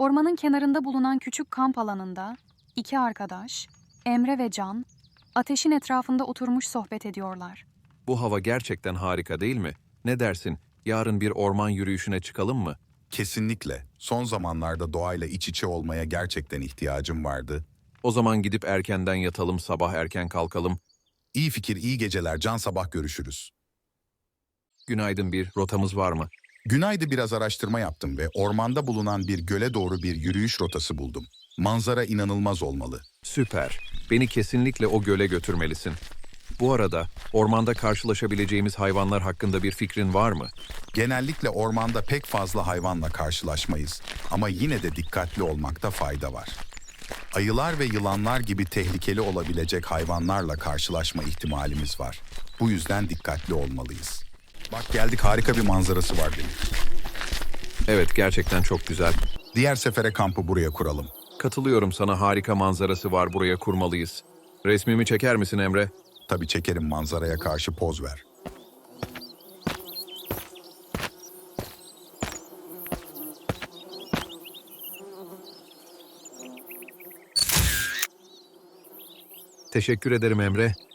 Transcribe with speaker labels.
Speaker 1: Ormanın kenarında bulunan küçük kamp alanında iki arkadaş, Emre ve Can, ateşin etrafında oturmuş sohbet ediyorlar.
Speaker 2: Bu hava gerçekten harika değil mi? Ne dersin? Yarın bir orman yürüyüşüne çıkalım mı?
Speaker 3: Kesinlikle. Son zamanlarda doğayla iç içe olmaya gerçekten ihtiyacım vardı.
Speaker 2: O zaman gidip erkenden yatalım, sabah erken kalkalım.
Speaker 3: İyi fikir, iyi geceler. Can, sabah görüşürüz.
Speaker 2: Günaydın, bir rotamız var mı?
Speaker 3: Günay'da biraz araştırma yaptım ve ormanda bulunan bir göle doğru bir yürüyüş rotası buldum. Manzara inanılmaz olmalı.
Speaker 2: Süper. Beni kesinlikle o göle götürmelisin. Bu arada ormanda karşılaşabileceğimiz hayvanlar hakkında bir fikrin var mı?
Speaker 3: Genellikle ormanda pek fazla hayvanla karşılaşmayız ama yine de dikkatli olmakta fayda var. Ayılar ve yılanlar gibi tehlikeli olabilecek hayvanlarla karşılaşma ihtimalimiz var. Bu yüzden dikkatli olmalıyız. Bak geldik, harika bir manzarası var demek.
Speaker 2: Evet, gerçekten çok güzel.
Speaker 3: Diğer sefere kampı buraya kuralım.
Speaker 2: Katılıyorum sana, harika manzarası var, buraya kurmalıyız. Resmimi çeker misin Emre?
Speaker 3: Tabii çekerim, manzaraya karşı poz ver.
Speaker 2: Teşekkür ederim Emre.